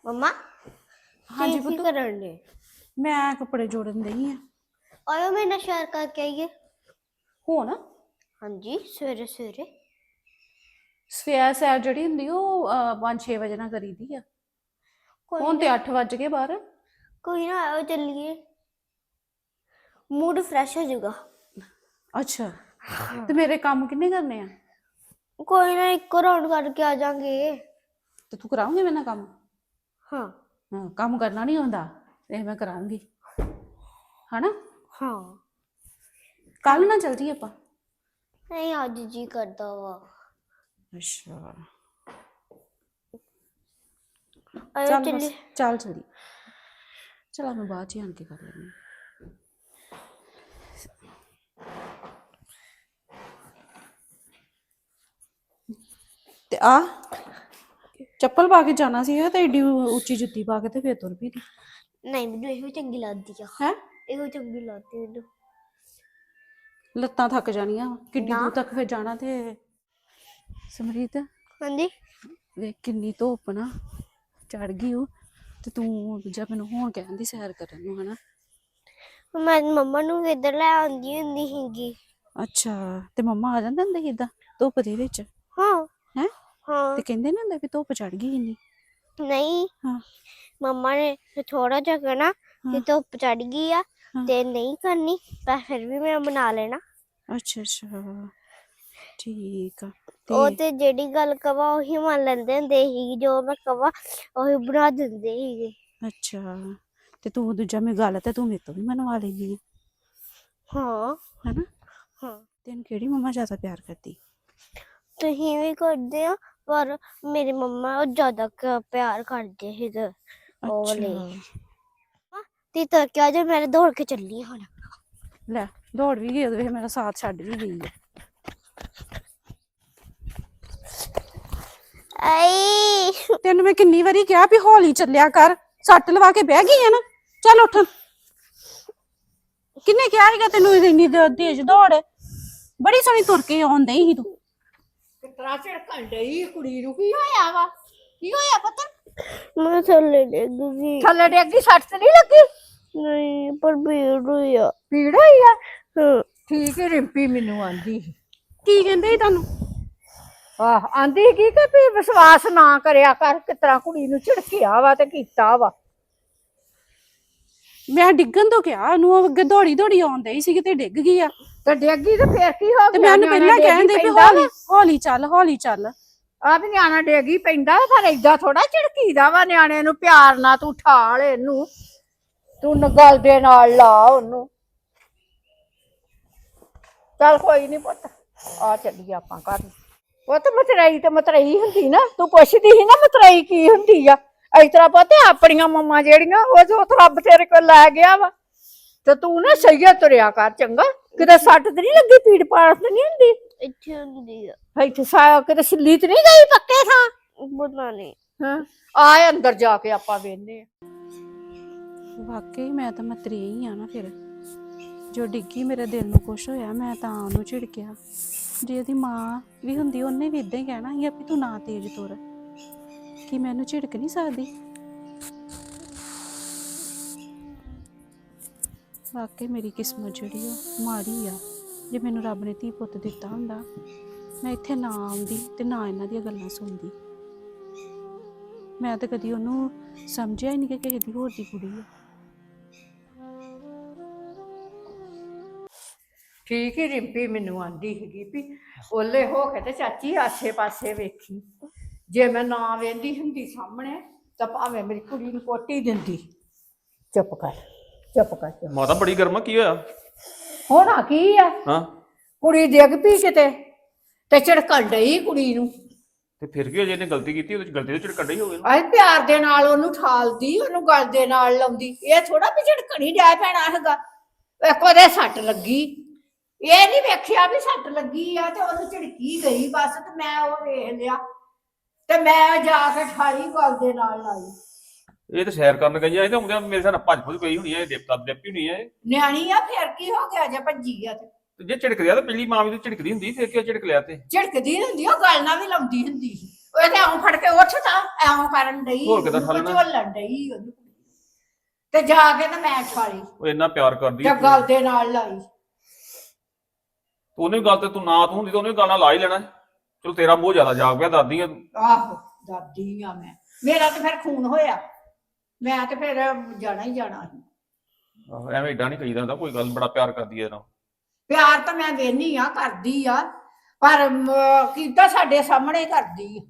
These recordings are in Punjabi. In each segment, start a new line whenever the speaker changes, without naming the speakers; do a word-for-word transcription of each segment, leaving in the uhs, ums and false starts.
मम्मा
हाँ जी
की
पुत्त
करन दे
मैं कपड़े जोड़न दई आ
आयो मेरे नाल शेयर करके आइए
हो ना
हाँ जी सवेरे सवेरे
सवेर सैर जेह्ड़ी होंदी ओह् पंज छे बजे ना करी दी आ
कोई
हुन ते
ना
अट्ठ बज गए बाहर
कोई ना आयो चलिए मूड फ्रेश हो जाएगा
अच्छा ते मेरे कम्म किन्ने करने आ
कोई ना एक राउंड करके आ जाएंगे
ते तू कराऊंगी मेरे नाल कम्म
हाँ
हाँ कम्म करना नहीं होंदा ते मैं कराऊंगी है ना
हाँ
कल ना चल जी आपां
नहीं आज जी करता हुआ
अच्छा
आयो
चल बस
चलिए
चल चली चल मैं बाद च आन के कर लैनी ते आ चप्पल पा के जाना सी ते एडी उच्ची जुत्ती पा के ते फिर तुर पई
नहीं मैनू ਇਹੋ ਚੰਗੀ ਲੱਗਦੀ ਆ
है
ਇਹੋ ਚੰਗੀ ਲੱਗਦੀ ਮੈਨੂੰ
ਲੱਤਾਂ ਥੱਕ ਜਾਣੀਆਂ ਕਿੱਡੀ
ਨਾ
ਦੂਰ ਤੱਕ ਫਿਰ ਜਾਣਾ ਤੇ ਸਮਰੀਤ
ਹਾਂਜੀ
ਵੇਖ ਕਿੰਨੀ ਧੁੱਪ ਨਾ ਚੜ ਗਈ ਉਹ ਤੇ ਤੂੰ ਦੂਜਾ ਮੈਨੂੰ ਹੁਣ ਕਹਿੰਦੀ ਸੈਰ ਕਰਨ ਨੂੰ ਹਨਾ
ਮੈਂ ਮੰਮਾ ਨੂੰ ਵੀ ਇੱਧਰ ਲੈ ਆਉਂਦੀ ਹੁੰਦੀ ਸੀਗੀ
ਅੱਛਾ ਤੇ ਮੰਮਾ ਆ ਜਾਂਦੇ ਹੁੰਦੇ ਸੀ ਏਦਾਂ ਧੁੱਪ ਦੇ ਵਿੱਚ
ਹਾਂ
ਹੈ
ਹਾਂ
ਤੇ ਕਹਿੰਦੇ ਨੀ ਹੁੰਦੇ ਵੀ ਧੁੱਪ ਚੜ ਗਈ ਇੰਨੀ
ਨਹੀਂ
ਹਾਂ
ਮੰਮਾ ਨੇ ਥੋੜਾ ਜਿਹਾ ਕਹਿਣਾ ਕਿ ਧੁੱਪ ਚੜ ਗਈ ਆ ਤੇ ਨਹੀਂ ਕਰਨੀ ਪਰ ਫਿਰ ਵੀ ਮੈਂ ਬਣਾ ਲੈਣਾ
ਅੱਛਾ ਅੱਛਾ ਠੀਕ ਆ
ਉਹ ਤੇ ਜਿਹੜੀ ਗੱਲ ਕਵਾ ਉਹੀ ਮੰਨ ਲੈਂਦੇ ਹੁੰਦੇ ਸੀ ਜੋ ਮੈਂ ਕਵਾ ਉਹੀ ਬਣਾ ਦਿੰਦੇ ਸੀਗੇ
ਅੱਛਾ ਤੇ ਤੂੰ ਦੂਜਾ ਮੇਰੀ ਗੱਲ ਤੇ ਤੂੰ ਮੇਰੇ ਤੋਂ ਵੀ ਮਨਵਾ ਲੈਂਦੀ
ਹਾਂ
ਹਨਾ
ਹਾਂ
ਤੈਨੂੰ ਕਿਹੜੀ ਮੰਮਾ ਜ਼ਿਆਦਾ ਪਿਆਰ ਕਰਦੀ
ਤੁਸੀਂ ਵੀ ਕਰਦੇ ਆ ਪਰ ਮੇਰੀ ਮੰਮਾ ਉਹ ਜ਼ਿਆਦਾ ਕ- ਪਿਆਰ ਕਰਦੇ ਸੀਗੇ ਉਹ ਵਾਲੇ ਤੇ ਤਾਂ ਕਿਹਾ ਜੇ ਮੈਂ ਦੌੜ ਕੇ ਚੱਲੀ ਹੁਣ
ਲੈ ਦੌੜ ਵੀ ਗਈ ਉਹਦੇ ਵਿੱਚ ਮੇਰਾ ਸਾਥ ਛੱਡ ਵੀ ਗਈ ਹੈ
ਆਈ
ਤੈਨੂੰ ਮੈਂ ਕਿੰਨੀ ਵਾਰੀ ਕਿਹਾ ਵੀ ਹੌਲੀ ਚੱਲਿਆ ਕਰ ਸੱਟ ਲਵਾ ਕੇ ਬਹਿ ਗਈ ਆ ਨਾ ਚੱਲ ਉੱਠ ਕਿੰਨੇ ਕਿਹਾ ਸੀਗਾ ਤੈਨੂੰ ਇੰਨੀ ਦ- ਤੇਜ਼ ਦੌੜ ਬੜੀ ਸੋਹਣੀ ਤੁਰ ਕੇ ਆਉਂਦੀ ਸੀ ਤੂੰ
ਕਿਤਰਾ ਝੜਕਣ ਡਈ ਕੁੜੀ ਨੂੰ ਕੀ ਹੋਇਆ ਵਾ ਕੀ ਹੋਇਆ ਪੁੱਤ
ਮੈਂ ਥੱਲੇ ਡਿੱਗ ਗਈ
ਥੱਲੇ ਡੇਗੀ ਸੱਟ ਤੇ ਨਹੀਂ ਲੱਗੀ
ਨਹੀਂ ਪਰ ਭੀੜ ਹੋਈ ਆ
ਪੀੜ ਹੋਈ ਆ
ਹਾਂ
ਠੀਕ ਹੈ ਰਿੰਪੀ ਮੈਨੂੰ ਆਂਦੀ ਸੀ
ਕੀ ਕਹਿੰਦੇ ਸੀ ਤੁਹਾਨੂੰ
ਆਹ ਆਂਦੀ ਸੀ ਕੀ ਕਿ ਵੀ ਵਿਸ਼ਵਾਸ ਨਾ ਕਰਿਆ ਕਰ ਕਿਤਰਾ ਕੁੜੀ ਨੂੰ ਝਿੜਕਿਆ ਵਾ ਤੇ ਕੀਤਾ ਵਾ
ਮੈਂ ਡਿੱਗਣ ਤੋਂ ਕਿਹਾ ਉਹਨੂੰ ਉਹ ਅੱਗੇ ਦੌੜੀ ਦੌੜੀ ਆਉਂਦੀ ਹੀ ਸੀ ਕਿਤੇ ਡਿੱਗ ਗਈ ਆ
ਤੇ ਡੇਗੀ ਤੇ ਫੇਰ ਕੀ ਹੋ
ਤੇ
ਗਿਆ
ਮੈਂ ਉਹਨੂੰ ਪਹਿਲਾਂ ਕਹਿੰਦੇ ਵੀ ਹੌਲੀ ਹੌਲੀ ਚੱਲ ਹੌਲੀ ਚੱਲ
ਆ ਵੀ ਨਿਆਣਾ ਡੇਗੀ ਪੈਂਦਾ ਪਰ ਏਦਾਂ ਥੋੜਾ ਝਿੜਕੀਦਾ ਵਾ ਨਿਆਣੇ ਨੂੰ ਪਿਆਰ ਨਾਲ ਤੂੰ ਠਾਲ ਇਹਨੂੰ ਤੂੰ ਗਲ ਦੇ ਨਾਲ ਲਾ ਉਹਨੂੰ ਚੱਲ ਕੋਈ ਨਹੀਂ ਪੁੱਤ ਆ ਚੱਲੀਏ ਆਪਾਂ ਘਰ ਪੁੱਤ ਮਤਰੇਈ ਤੇ ਮਤਰੇਈ ਹੁੰਦੀ ਨਾ ਤੂੰ ਪੁੱਛਦੀ ਸੀ ਨਾ ਮਤਰੇਈ ਕੀ ਹੁੰਦੀ ਆ ਇਸ ਤਰ੍ਹਾਂ ਪੁੱਤ ਆਪਣੀਆਂ ਮੰਮਾਂ ਜਿਹੜੀਆਂ ਉਹ ਜੋ ਰੱਬ ਤੇਰੇ ਕੋਲ ਲੈ ਗਿਆ ਵਾ ਤੇ ਤੂੰ ਨਾ ਸਹੀ ਤੁਰਿਆ ਕਰ ਚੰਗਾ ਕਿਤੇ ਸੱਟ ਤੇ ਨਹੀਂ ਲੱਗੀ ਪੀੜ ਪਾੜ ਤੇ ਨਹੀਂ ਹੁੰਦੀ
ਇੱਥੇ ਹੁੰਦੀ ਆ
ਇੱਥੇ ਸਾ ਕਿਤੇ ਸਿੱਲੀ ਤੇ ਨਹੀਂ ਗਈ ਪੱਕੇ ਥਾਂ
ਪਤਾ ਨਹੀਂ
ਹਾਂ ਆਏ ਅੰਦਰ ਜਾ ਕੇ ਆਪਾਂ ਵੇਖਨੇ ਆ
ਵਾਕਈ ਮੈਂ ਤਾਂ ਮਤਰੀ ਹੀ ਆ ਨਾ ਫਿਰ ਜੋ ਡਿੱਗੀ ਮੇਰੇ ਦਿਲ ਨੂੰ ਕੁਛ ਹੋਇਆ ਮੈਂ ਤਾਂ ਉਹਨੂੰ ਝਿੜਕਿਆ ਜੇ ਉਹਦੀ ਮਾਂ ਵੀ ਹੁੰਦੀ ਉਹਨੇ ਵੀ ਇਦਾਂ ਹੀ ਕਹਿਣਾ ਸੀ ਵੀ ਤੂੰ ਨਾ ਤੇਜ਼ ਤੁਰ ਕਿ ਮੈਨੂੰ ਝਿੜਕ ਨਹੀਂ ਸਕਦੀ ਵਾਕਈ ਮੇਰੀ ਕਿਸਮਤ ਜਿਹੜੀ ਉਹ ਮਾੜੀ ਆ ਜੇ ਮੈਨੂੰ ਰੱਬ ਨੇ ਧੀ ਪੁੱਤ ਦਿੱਤਾ ਹੁੰਦਾ ਮੈਂ ਇੱਥੇ ਨਾ ਆਉਂਦੀ ਤੇ ਨਾ ਇਹਨਾਂ ਦੀਆਂ ਗੱਲਾਂ ਸੁਣਦੀ ਮੈਂ ਤਾਂ ਕਦੀ ਉਹਨੂੰ ਸਮਝਿਆ ਹੀ ਨਹੀਂ ਕਿ ਕਿਸੇ ਦੀ ਹੋਰ ਦੀ ਕੁੜੀ ਆ
ਠੀਕ ਹੀ ਰਿੰਪੀ ਮੈਨੂੰ ਆਂਦੀ ਸੀਗੀ ਵੀ ਓਲੇ ਹੋ ਕੇ ਤੇ ਚਾਚੀ ਆਸੇ ਪਾਸੇ ਵੇਖੀ ਜੇ ਮੈਂ ਨਾ ਵੇਂਦੀ ਹੁੰਦੀ ਸਾਹਮਣੇ ਤਾਂ ਭਾਵੇਂ ਮੇਰੀ ਕੁੜੀ ਨੂੰ ਕੋਟੀ ਦਿੰਦੀ ਚੁੱਪ ਕਰ ਚੁੱਪ ਕਰ ਚੁੱਪ।
ਮਾਤਾ ਬੜੀ ਗਰਮਾ ਕੀ ਹੋਇਆ
ਹੋਣਾ ਕੀ ਆ
ਹਾਂ
ਕੁੜੀ ਡਿੱਗ ਪਈ ਕਿਤੇ ਤੇ ਝੜਕਣ ਡਈ ਕੁੜੀ ਨੂੰ
ਤੇ ਫਿਰ ਕੀ ਹੋ ਜੇ ਇਹਨੇ ਗਲਤੀ ਕੀਤੀ ਉਹਦੇ ਚ ਗਲਤੀ ਤੋਂ ਝੜਕਣ ਡਈ ਹੋਵੇ
ਆਏ ਪਿਆਰ ਦੇ ਨਾਲ ਉਹਨੂੰ ਠਾਲਦੀ ਉਹਨੂੰ ਗਲ ਦੇ ਨਾਲ ਲਾਉਂਦੀ ਇਹ ਥੋੜਾ ਵੀ ਝੜਕਣੀ ਡੈ ਪੈਣਾ ਹੈਗਾ ਇੱਕ ਉਹਦੇ ਸੱਟ ਲੱਗੀ ਇਹ ਨਹੀਂ ਵੇਖਿਆ ਵੀ ਸੱਟ ਲੱਗੀ ਆ ਤੇ ਉਹਨੂੰ ਝੜਕੀ ਗਈ ਬਸ ਤੇ ਮੈਂ ਉਹ ਵੇਖ ਲਿਆ ਤੇ ਮੈਂ ਜਾ ਕੇ ਠਾਲੀ ਗਲ ਦੇ ਨਾਲ ਲਾਈ
ਇਹ ਤਾਂ ਸੈਰ ਕਰਨ ਗਈ ਆ ਇਹ ਤਾਂ ਆਉਂਦਿਆਂ ਮੇਰੇ ਸਾਹ ਨਾਲ ਭੱਜ ਭੁੱਜ ਗਈ ਹੋਣੀ ਆ ਇਹ ਦੇਵਤਾ ਦੇਵੀ ਹੋਣੀ ਆ ਇਹ
ਨਿਆਣੀ ਆ ਫਿਰ ਕੀ ਹੋ ਗਿਆ ਜੇ ਭੱਜੀ ਆ ਤੇ
ਤੇ ਜੇ ਝਿੜਕ ਲਿਆ ਤਾਂ ਪਹਿਲੀ ਮਾਂ ਵੀ ਤਾਂ ਝਿੜਕਦੀ ਹੁੰਦੀ ਫਿਰ ਕਿਉਂ ਝਿੜਕ ਲਿਆ ਤੇ
ਝੜਕਦੀ ਹੁੰਦੀ ਉਹ ਗੱਲ ਨਾਲ ਵੀ ਲਾਉਂਦੀ ਹੁੰਦੀ ਸੀ ਉਹ ਤੇ ਆਉਂ ਫੜ ਕੇ ਉੱਠਦਾ ਐਉਂ ਕਰਨ ਡਈ
ਹੋਰ ਕਿੱਦਾਂ
ਉਹਨੂੰ
ਠਾਲਣਾ?
ਝੋਲਣ ਡਈ ਉਹਨੂੰ ਤੇ ਜਾ ਕੇ ਨਾ ਮੈਂ ਛਾਲੀ
ਉਹ ਇੰਨਾ ਪਿਆਰ ਕਰਦੀ
ਤੇ
ਆ
ਗੱਲ ਦੇ ਨਾਲ ਲਾਈ।
ਤੂੰ ਉਹਨੇ ਵੀ ਗੱਲ ਤੇ ਤੂੰ ਨਾ ਤੂੰ ਹੁੰਦੀ ਤਾਂ ਉਹਨੇ ਵੀ ਗੱਲ ਨਾਲ ਲਾ ਹੀ ਲੈਣਾ। ਚਲੋ ਤੇਰਾ ਮੋਹ ਜ਼ਿਆਦਾ ਜਾਗ ਪਿਆ ਦਾਦੀ ਆ ਤੂੰ।
ਆਹੋ ਦਾਦੀ ਆ ਮੈਂ, ਮੇਰਾ ਤੇ ਫਿਰ ਖੂਨ ਹੋਇਆ, ਮੈਂ ਤੇ ਫਿਰ ਜਾਣਾ ਹੀ ਜਾਣਾ ਸੀ।
ਆਹੋ, ਐਵੇਂ ਏਡਾ ਨਹੀਂ ਕਹੀਦਾ ਹੁੰਦਾ, ਕੋਈ ਗੱਲ ਬੜਾ ਪਿਆਰ ਕਰਦੀ ਹੈ ਨਾ।
ਪਿਆਰ ਤਾਂ ਮੈਂ ਵੇਹਨੀ ਆ ਕਰਦੀ ਆ, ਪਰ ਮ- ਕੀਤਾ ਸਾਡੇ ਸਾਹਮਣੇ ਕਰਦੀ ਆ।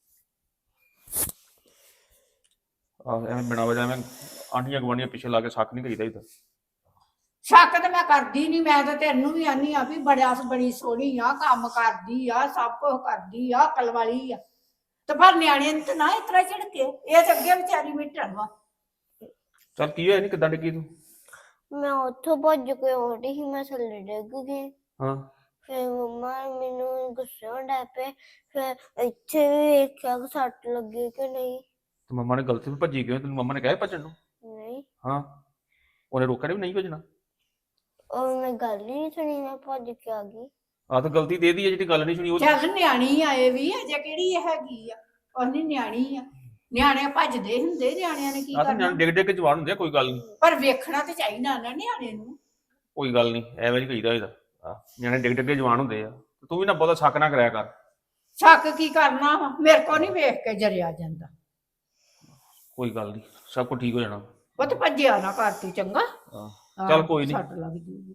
ਆਹ ਐਵੇਂ ਬਿਨਾਂ ਵਜ੍ਹਾ ਐਵੇਂ ਆਂਢੀਆਂ ਗੁਆਂਢੀਆਂ ਪਿੱਛੇ ਲਾ ਕੇ ਸ਼ੱਕ ਨਹੀਂ ਕਰੀਦਾ ਇੱਧਰ।
ਸ਼ੱਕ ਤੇ ਮੈਂ ਕਰਦੀ ਨਹੀਂ, ਮੈਂ ਤਾਂ ਤੈਨੂੰ ਵੀ ਆਨੀ ਆ ਵੀ ਬੜਿਆ ਬੜੀ ਸੋਹਣੀ ਆ, ਕੰਮ ਕਰਦੀ ਆ, ਸਭ ਕੁਝ ਕਰਦੀ ਆ, ਅਕਲ ਵਾਲੀ ਆ, ਤੇ ਪਰ ਨਿਆਣੇ ਨੂੰ ਤਾਂ ਨਾ ਇਸ ਤਰ੍ਹਾਂ ਝਿੜਕੇ, ਇਹ ਤਾਂ ਅੱਗੇ ਵਿਚਾਰੀ ਮਿੱਟਣ ਵਾ।
ਚੱਲ ਕੀ ਹੋਇਆ ਨਹੀਂ ਕਿੱਦਾਂ ਡਿੱਗੀ ਤੂੰ?
ਮੈਂ ਉੱਥੋਂ ਭੱਜ ਕੇ ਆਉਂਦੀ ਸੀ, ਮੈਂ ਥੱਲੇ ਡਿੱਗ ਗਈ।
ਹਾਂ
ਫਿਰ ਮੰਮਾ ਮੈਨੂੰ ਗੁੱਸੇ ਹੋਣ ਲੱਗ ਪਏ। ਫਿਰ ਇੱਥੇ ਵੀ ਵੇਖਿਆ ਕਿ ਸੱਟ ਲੱਗੀ ਕਿ ਨਹੀਂ।
ਤੇ ਮੰਮਾ ਨੇ ਗਲਤੀ ਤੋਂ ਭੱਜੀ ਕਿਉਂ? ਤੈਨੂੰ ਮੰਮਾ ਨੇ ਕਿਹਾ ਸੀ ਭੱਜਣ ਨੂੰ?
ਨਹੀਂ,
ਹਾਂ ਉਹਨੇ ਰੋਕਿਆ ਨੀ ਵੀ ਨਹੀਂ ਭੱਜਣਾ?
ਉਹ ਮੈਂ ਗੱਲ ਹੀ ਨਹੀਂ ਸੁਣੀ, ਮੈਂ ਭੱਜ ਕੇ ਆ ਗਈ।
ਆਹ ਤਾਂ ਗਲਤੀ ਦੇ ਦੀ ਹੈ ਜਿਹੜੀ ਗੱਲ ਨਹੀਂ ਸੁਣੀ ਉਹ।
ਚੱਲ ਨਿਆਣੀ ਆ ਇਹ ਵੀ, ਅਜੇ ਕਿਹੜੀ ਇਹ ਹੈਗੀ ਆ, ਉਹਨੀ ਨਿਆਣੀ ਆ, ਨਿਆਣੇ ਭੱਜਦੇ ਹੁੰਦੇ, ਨਿਆਣਿਆਂ ਨੇ ਕੀ
ਆਹ ਤਾਂ
ਕਰਨਾ।
ਨਿਆਣੇ ਡਿੱਗ ਡਿੱਗ ਕੇ ਜਵਾਨ ਹੁੰਦੇ ਆ, ਕੋਈ ਗੱਲ ਨਹੀਂ।
ਪਰ ਵੇਖਣਾ ਤੇ ਚਾਹੀਦਾ ਨਾ ਨਿਆਣੇ ਨੂੰ।
ਕੋਈ ਗੱਲ ਨਹੀਂ ਐਵੇਂ ਨਹੀਂ ਕਹੀਦਾ ਇਹਦਾ। ਆਹ ਨਿਆਣੇ ਡਿੱਗ ਡਿੱਗ ਕੇ ਜਵਾਨ ਹੁੰਦੇ ਆ। ਤੂੰ ਵੀ ਨਾ ਬਹੁਤਾ ਸ਼ੱਕ ਨਾ ਕਰਿਆ ਕਰ।
ਸ਼ੱਕ ਕੀ ਕਰਨਾ ਵਾ, ਮੇਰੇ ਕੋ ਨਹੀਂ ਵੇਖ ਕੇ ਜਰਿਆ ਜਾਂਦਾ।
ਕੋਈ ਗੱਲ ਨਹੀਂ, ਸਭ ਕੁਝ ਠੀਕ ਹੋ ਜਾਣਾ।
ਉਹ ਤੇ ਭੱਜਿਆ ਨਾ ਕਰ ਤੂੰ, ਚੰਗਾ?
ਆਹ ਚੱਲ ਕੋਈ ਨਹੀਂ।
ਸੱਟ ਲੱਗ ਜੂਗੀ।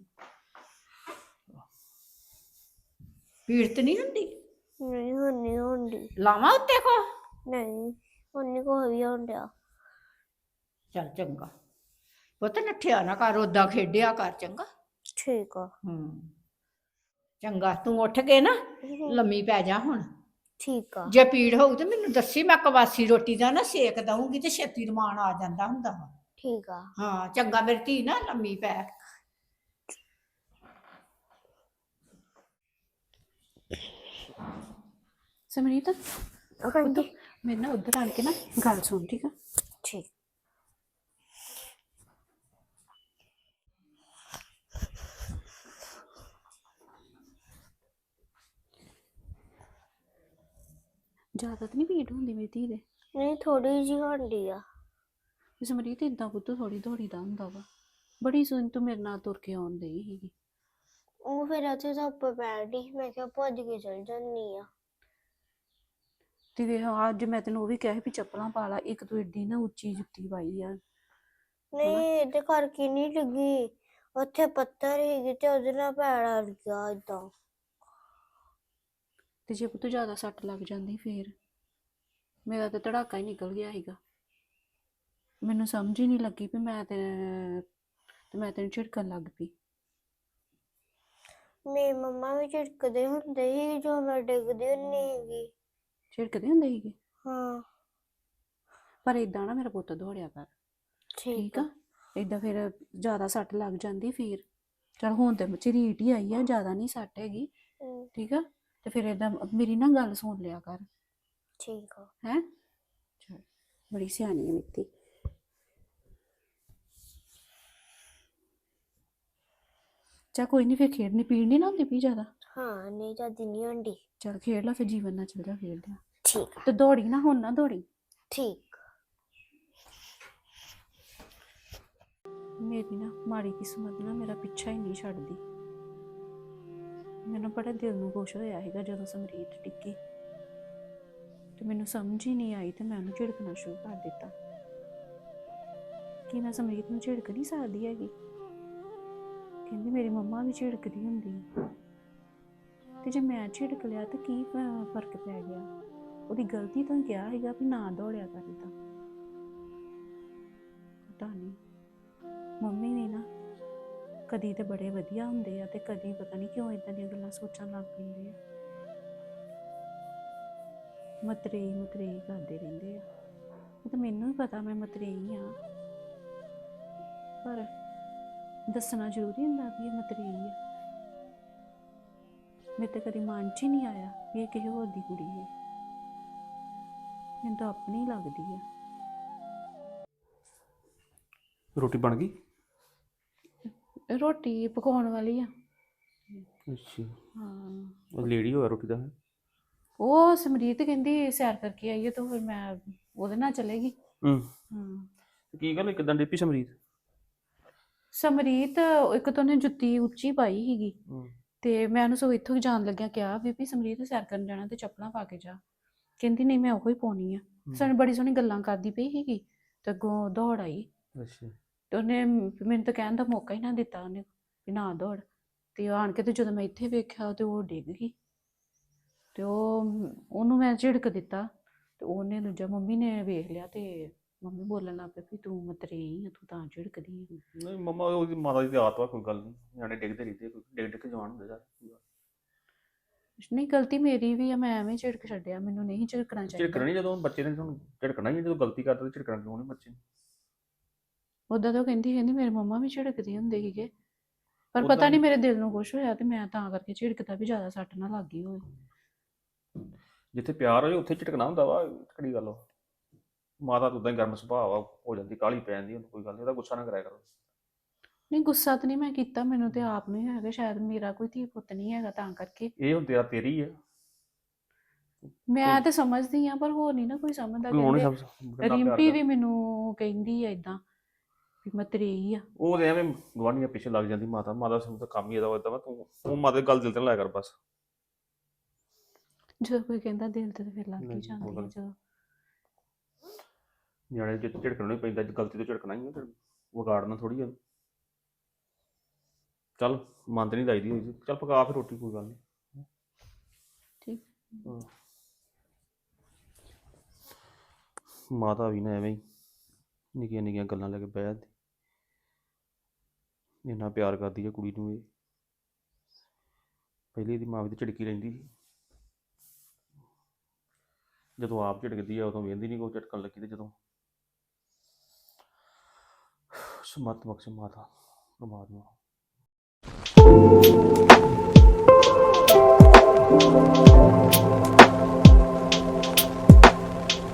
ਪੀੜ ਤੇ ਨਹੀਂ ਹੁੰਦੀ?
ਨਹੀਂ, ਹੁਣ ਨਹੀਂ ਹੁੰਦੀ।
ਲਾਵਾਂ ਉੱਤੇ ਕੋ?
ਨਹੀਂ, ਹੁਣ ਨਹੀਂ ਕੋਈ ਵੀ ਹੋਣ ਡਿਆ।
ਚੱਲ ਚੰਗਾ ਪੁੱਤ, ਨੱਠਿਆ ਨਾ ਕਰ, ਓਦਾਂ ਖੇਡਿਆ ਕਰ, ਚੰਗਾ?
ਠੀਕ ਆ।
ਹੂੰ ਚੰਗਾ, ਤੂੰ ਉੱਠ ਕੇ ਨਾ ਲੰਮੀ ਪੈ ਜਾ ਹੁਣ।
ਠੀਕ ਆ।
ਜੇ ਪੀੜ ਹੋਊ ਤੇ ਮੈਨੂੰ ਦੱਸੀ, ਮੈਂ ਕਵਾਸੀ ਰੋਟੀ ਦਾ ਨਾ ਸੇਕ ਦਊਂਗੀ ਤੇ ਛੇਤੀ ਰਮਾਨ ਆ ਜਾਂਦਾ ਹੁੰਦਾ ਵਾ।
ਠੀਕ ਆ।
ਹਾਂ ਚੰਗਾ ਮੇਰੀ ਧੀ, ਨਾ ਲੰਮੀ ਪੈ।
ਸਮਰੀਤ
ਹਾਂਜੀ।
ਮੇਰੇ ਨਾਲ ਉੱਧਰ ਆਣ ਕੇ ਨਾ ਗੱਲ ਸੁਣ, ਠੀਕ ਆ?
ਠੀਕ।
ਜ਼ਿਆਦਾ ਤਾਂ ਨਹੀਂ ਭੀੜ ਹੁੰਦੀ ਮੇਰੀ ਧੀ ਦੇ?
ਨਹੀਂ, ਥੋੜੀ ਜਿਹੀ ਹੁੰਦੀ ਆ।
ਸਮਰੀਤ ਏਦਾਂ ਪੁੱਤ ਥੋੜੀ ਦੌੜੀ ਦਾ ਹੁੰਦਾ ਵਾ। ਬੜੀ ਸੋਹਣੀ ਤੂੰ ਮੇਰੇ ਨਾਲ ਤੁਰ ਕੇ ਆਉਣ ਡਈ ਸੀਗੀ।
ਉਹ ਫਿਰ ਉੱਥੇ ਧੁੱਪ ਪੈਣੀ, ਮੈਂ ਕਿਹਾ ਭੱਜ ਕੇ ਚਲ ਜਾਂਦੀ ਆ।
ਤੇ ਵੇਖ ਅੱਜ ਮੈਂ ਤੈਨੂੰ ਉਹ ਵੀ ਕਿਹਾ ਸੀ ਵੀ ਚੱਪਲਾਂ ਪਾ ਲਾ, ਇੱਕ ਤੂੰ ਏਡੀ ਨਾ ਉੱਚੀ ਜੁੱਤੀ ਪਾਈ ਆ।
ਨਹੀਂ, ਇਹਦੇ ਕਰਕੇ ਨਹੀਂ ਲੱਗੀ, ਉੱਥੇ ਪੱਥਰ ਸੀਗੇ ਤੇ ਉਹਦੇ ਨਾਲ ਪੈਰ ਅੜ ਗਿਆ ਏਦਾਂ।
ਤੇ ਜੇ ਪੁੱਤ ਜ਼ਿਆਦਾ ਸੱਟ ਲੱਗ ਜਾਂਦੀ ਫੇਰ? ਮੇਰਾ ਤਾਂ ਧੜਾਕਾ ਹੀ ਨਿਕਲ ਗਿਆ ਸੀਗਾ। ਮੈਨੂੰ ਸਮਝ ਹੀ ਨਹੀਂ ਲੱਗੀ ਵੀ ਮੈਂ ਤੇ ਤੇ ਮੈਂ ਤੈਨੂੰ ਝਿੜਕਣ ਲੱਗ ਪਈ।
ਮੇਰੀ ਮੰਮਾ ਵੀ ਝਿੜਕਦੇ ਹੁੰਦੇ ਸੀ ਜੋ ਮੈਂ ਡਿੱਗਦੀ ਹੁੰਦੀ ਸੀਗੀ।
ਝਿੜਕਦੇ ਹੁੰਦੇ ਸੀਗੇ?
ਹਾਂ।
ਪਰ ਏਦਾਂ ਨਾ ਮੇਰਾ ਪੁੱਤ ਦੌੜਿਆ ਕਰ, ਠੀਕ ਆ? ਏਦਾਂ ਫਿਰ ਜ਼ਿਆਦਾ ਸੱਟ ਲੱਗ ਜਾਂਦੀ ਫੇਰ। ਚਲ ਹੁਣ ਤੇ ਝਰੀਟ ਹੀ ਆਈ ਆ, ਜ਼ਿਆਦਾ ਨਹੀਂ ਸੱਟ ਹੈਗੀ,
ਹਮ,
ਠੀਕ ਆ? ਤੇ ਫਿਰ ਏਦਾਂ ਮੇਰੀ ਨਾ ਗੱਲ ਸੁਣ ਲਿਆ ਕਰ,
ਠੀਕ ਆ।
ਹੈ? ਚਲ ਬੜੀ ਸਿਆਣੀ ਹੈ ਮਿੱਤੀ। ਚਾ ਕੋਈ ਨਹੀਂ, ਫਿਰ ਖੇਡਣੀ ਪੀੜ ਨਹੀਂ ਨਾ ਹੁੰਦੀ ਪਈ ਜ਼ਿਆਦਾ?
ਹਾਂ, ਨਹੀਂ ਜਾਂਦੀ ਨਹੀਂ ਹੁੰਦੀ।
ਚਲ ਖੇਡ ਲਾ ਫਿਰ, ਜੀਵਨ ਨਾਲ ਚੱਲ ਜਾ ਖੇਡਦੇ ਆ।
ਠੀਕ ਆ।
ਤੇ ਦੌੜੀ ਨਾ, ਹੁਣ ਨਾ ਦੌੜੀ।
ਠੀਕ।
ਮੇਰੀ ਨਾ ਮਾੜੀ ਕਿਸਮਤ ਨਾ ਮੇਰਾ ਪਿੱਛਾ ਹੀ ਨਹੀਂ ਛੱਡਦੀ। ਮੈਨੂੰ ਬੜਾ ਦਿਲ ਨੂੰ ਖੁਸ਼ ਹੋਇਆ ਸੀਗਾ ਜਦੋਂ ਸਮਰੀਤ ਟਿੱਕੀ, ਤੇ ਮੈਨੂੰ ਸਮਝ ਹੀ ਨਹੀਂ ਆਈ ਤੇ ਮੈਂ ਉਹਨੂੰ ਝਿੜਕਣਾ ਸ਼ੁਰੂ ਕਰ ਦਿੱਤਾ ਕਿ ਮੈਂ ਸਮਰੀਤ ਨੂੰ ਝਿੜਕ ਨਹੀਂ ਸਕਦੀ ਹੈਗੀ। ਕਹਿੰਦੀ ਮੇਰੀ ਮੰਮਾ ਵੀ ਝਿੜਕਦੀ ਹੁੰਦੀ ਹੈ, ਤੇ ਜੇ ਮੈਂ ਝਿੜਕ ਲਿਆ ਤਾਂ ਕੀ ਫ- ਫਰਕ ਪੈ ਗਿਆ? ਉਹਦੀ ਗਲਤੀ ਤੋਂ ਕਿਹਾ ਸੀਗਾ ਵੀ ਨਾ ਦੌੜਿਆ ਕਰ ਏਦਾਂ। ਪਤਾ ਨਹੀਂ, ਮੰਮੀ ਵੀ ਨਾ ਕਦੀ ਤੇ ਬੜੇ ਵਧੀਆ ਹੁੰਦੇ ਆ ਤੇ ਕਦੀ ਪਤਾ ਨਹੀਂ ਕਿਉਂ ਇਦਾਂ ਦੀਆਂ ਗੱਲਾਂ ਸੋਚਣ ਲੱਗ ਪੈਂਦੇ ਆ। ਮਤਰੇਈ ਮਤਰੇਈ ਕਰਦੇ ਰਹਿੰਦੇ ਆ। ਉਹ ਤਾਂ ਮੈਨੂੰ ਵੀ ਪਤਾ ਮੈਂ ਮਤਰੇਈ ਆ, ਪਰ ਦੱਸਣਾ ਜ਼ਰੂਰੀ ਹੁੰਦਾ ਵੀ ਇਹ ਮਤਰੇਈ ਆ। ਮੇਰੇ ਤੇ ਕਦੀ ਮਨ 'ਚ ਹੀ ਨਹੀਂ ਆਇਆ ਵੀ ਇਹ ਕਿਸੇ ਹੋਰ ਦੀ ਕੁੜੀ ਹੈ। ਮੈਨੂੰ ਤਾਂ ਆਪਣੀ ਲੱਗਦੀ ਆ।
ਰੋਟੀ ਬਣ ਗਈ?
ਰੋਟੀ ਪਕਾਉਣ ਵਾਲੀ ਆ।
ਅੱਛਾ,
ਹਾਂ,
ਉਹ ਲੇਡੀ ਹੋਇਆ ਰੋਟੀ ਦਾ।
ਉਹ ਸਮਰੀਤ ਕਹਿੰਦੀ ਸੈਰ ਕਰਕੇ ਆਈਏ ਤਾਂ ਫਿਰ ਮੈਂ ਉਹਦੇ ਨਾਲ ਚਲੇਗੀ।
ਹੂੰ
ਹਾਂ
ਕੀ ਗੱਲ ਕਿਦਾਂ ਡਿੱਪੀ ਸਮਰੀਤ?
ਸਮਰੀਤ ਇੱਕ ਤਾਂ ਉਹਨੇ ਜੁੱਤੀ ਉੱਚੀ ਪਾਈ ਸੀਗੀ
ਹੂੰ
ਤੇ ਮੈਂ ਉਹਨੂੰ ਸਗੋਂ ਇੱਥੋਂ ਹੀ ਜਾਣ ਲੱਗਿਆ ਕਿਹਾ ਵੀ ਵੀ ਸਮਰੀਤ ਸੈਰ ਕਰਨ ਜਾਣਾ ਤੇ ਚੱਪਲਾਂ ਪਾ ਕੇ ਜਾ। ਕਹਿੰਦੀ ਨਹੀਂ ਮੈਂ ਉਹੀ ਪਾਉਣੀ ਆ। ਸਾਨੂੰ ਬੜੀ ਸੋਹਣੀ ਗੱਲਾਂ ਕਰਦੀ ਪਈ ਸੀਗੀ ਤੇ ਅੱਗੋਂ ਦੌੜ ਆਈ
ਅੱਛਾ
ਤੇ ਉਹਨੇ ਮੈਨੂੰ ਤਾਂ ਕਹਿਣ ਦਾ ਮੌਕਾ ਹੀ ਨਾ ਦਿੱਤਾ ਉਹਨੇ ਵੀ ਨਾ ਦੌੜ। ਤੇ ਆਣ ਕੇ ਤੇ ਜਦੋਂ ਮੈਂ ਇੱਥੇ ਵੇਖਿਆ ਤੇ ਉਹ ਡਿੱਗ ਗਈ ਤੇ ਉਹ ਉਹਨੂੰ ਮੈਂ ਝਿੜਕ ਦਿੱਤਾ ਤੇ ਉਹਨੇ ਦੂਜਾ ਮੰਮੀ ਨੇ ਵੇਖ ਲਿਆ ਤੇ ਮੰਮੀ ਬੋਲਣ ਲੱਗ ਪਈ ਵੀ ਤੂੰ ਮਤਰੇਈ ਆ ਤੂੰ ਤਾਂ ਝਿੜਕਦੀ ਆ।
ਨਹੀਂ ਮੰਮਾ ਉਹਦੀ ਮਾਤਾ ਦੀ ਤੇ ਆਦਤ ਵਾ ਕੋਈ ਗੱਲ ਨਹੀਂ ਨਿਆਣੇ ਡਿੱਗਦੇ ਰਹਿੰਦੇ ਕੋਈ ਡਿੱਗ ਡਿੱਗ ਕੇ ਜਵਾਨ ਹੁੰਦੇ ਯਾਰ।
ਨਹੀਂ ਗਲਤੀ ਮੇਰੀ ਵੀ ਆ ਮੈਂ ਐਵੇਂ ਝਿੜਕ ਛੱਡਿਆ ਮੈਨੂੰ ਨਹੀਂ ਝਿੜਕਣਾ ਚਾਹੀਦਾ।
ਝਿੜਕਣਾ ਨਹੀਂ ਜਦੋਂ ਬੱਚੇ ਨੇ ਤੁਹਾਨੂੰ ਝਿੜਕਣਾ ਹੀ ਜਦੋਂ ਗਲਤੀ ਕਰਦਾ ਤੇ ਝਿੜਕਣਾ ਕਿਉਂ ਨਹੀਂ ਬੱਚੇ ਨੂੰ?
ਉਦਾਂ ਤਾਂ ਉਹ ਕਹਿੰਦੀ ਕਹਿੰਦੀ ਮੇਰੇ ਮੰਮਾ ਵੀ ਝਿੜਕਦੇ ਹੁੰਦੇ ਸੀਗੇ ਪਰ
ਉੱਦਾਂ
ਪਤਾ ਨਹੀਂ
ਹੀ-
ਮੇਰੇ ਦਿਲ ਨੂੰ ਕੁਛ ਹੋਇਆ ਤੇ ਮੈਂ ਤਾਂ ਕਰਕੇ ਝਿੜਕਦਾ ਵੀ ਜ਼ਿਆਦਾ ਸੱਟ ਨਾ ਲੱਗ ਗਈ ਹੋਵੇ।
ਜਿੱਥੇ ਪਿਆਰ ਹੋਏ ਉੱਥੇ ਝਿੜਕਣਾ ਹੁੰਦਾ ਵਾ ਕਿਹੜੀ ਗੱਲ ਵਾ। ਮਾਤਾ ਤਾਂ ਉਦਾਂ ਹੀ ਗਰਮ ਸੁਭਾਅ ਵਾ ਹੋ ਜਾਂਦੀ ਕਾਹਲੀ ਪੈ ਜਾਂਦੀ ਉਹਨੂੰ ਕੋਈ ਗੱਲ ਨਹੀਂ ਉਹਦਾ ਗੁੱਸਾ ਨਾ ਕਰਿਆ ਕਰੋ।
ਨਹੀਂ ਗੁੱਸਾ ਤਾਂ ਨਹੀਂ ਮੈਂ ਕੀਤਾ ਮੈਨੂੰ ਤੇ ਆਪ ਨੂੰ ਹੈਗਾ ਸ਼ਾਇਦ ਮੇਰਾ ਕੋਈ ਧੀ ਪੁੱਤ ਨਹੀਂ ਹੈਗਾ ਤਾਂ ਕਰਕੇ।
ਇਹ ਹੁਣ ਤੇਰਾ ਤੇਰੀ ਆ
ਮੈਂ ਤੇ ਸਮਝਦੀ ਆ ਪਰ ਹੋਰ ਨਹੀਂ ਨਾ ਕੋਈ ਸਮਝਦਾ।
ਕੋਈ ਹੁਣ
ਕਹਿੰਦੇ
ਸਭ ਕਿੰਨਾ ਪਿਆਰ
ਰਿੰਪੀ
ਕਰ
ਵੀ ਮੈਨੂੰ ਕਹਿੰਦੀ ਆ ਇਦਾਂ ਵੀ ਮੈਂ ਤੇਰੀ ਆ।
ਉਹ ਤੇ ਐਵੇਂ ਗਵਾਂਢੀਆਂ ਪਿੱਛੇ ਲੱਗ ਜਾਂਦੀ ਮਾਤਾ ਮਾਤਾ ਸਾਨੂੰ ਤਾਂ ਕੰਮ ਹੀ ਇਹਦਾ ਇਦਾਂ ਵਾ ਤੂੰ ਉਹ ਮਾਤਾ ਦੀ ਗੱਲ ਦਿਲ ਤੇ ਨਾ ਲਾਇਆ ਕਰ ਬਸ।
ਜਦੋਂ ਕੋਈ ਕਹਿੰਦਾ ਦਿਲ ਤੇ ਤਾਂ ਫਿਰ ਲੱਗ ਹੀ
ਨਹੀਂ,
ਜਾਂਦੀ
ਉਹ
ਆ
ਗੱਲ-
ਜਦੋਂ।
ਨਿਆਣੇ ਜੇ ਝਿੜਕਣਾ ਨਹੀਂ ਪੈਂਦਾ ਜੇ ਗਲਤੀ ਤੋਂ ਝਿੜਕਣਾ ਹੀ ਆ ਫਿਰ ਵਿਗਾੜਨਾ ਥੋੜੀ ਆ। ਚੱਲ ਮੰਨ ਤੇ ਨਹੀਂ ਲਾਈਦੀ ਹੋਈ ਚੱਲ ਪਕਾ ਫਿਰ ਰੋਟੀ ਕੋਈ ਗੱਲ ਨਹੀਂ।
ਠੀਕ
ਹਾਂ। ਮਾਤਾ ਵੀ ਨਾ ਐਵੇਂ ਹੀ ਨਿੱਕੀਆਂ ਨਿੱਕੀਆਂ ਗੱਲਾਂ ਲੈ ਕੇ ਬਹਿ ਜਾਂਦੀ ਇੰਨਾ ਪਿਆਰ ਕਰਦੀ ਹੈ ਕੁੜੀ ਨੂੰ ਇਹ। ਪਹਿਲੀ ਇਹਦੀ ਮਾਂ ਵੀ ਤੇ ਝਿੜਕੀ ਰਹਿੰਦੀ ਸੀ ਜਦੋਂ ਆਪ ਝਿੜਕਦੀ ਆ ਉਦੋਂ ਵੇਂਦੀ ਨਹੀਂ ਕੋਈ ਝਟਕਣ ਲੱਗੀ ਤੇ ਜਦੋਂ ਸਮਤ ਬਖਸ਼ ਮਾਤਾ ਪਰਮਾਤਮਾ।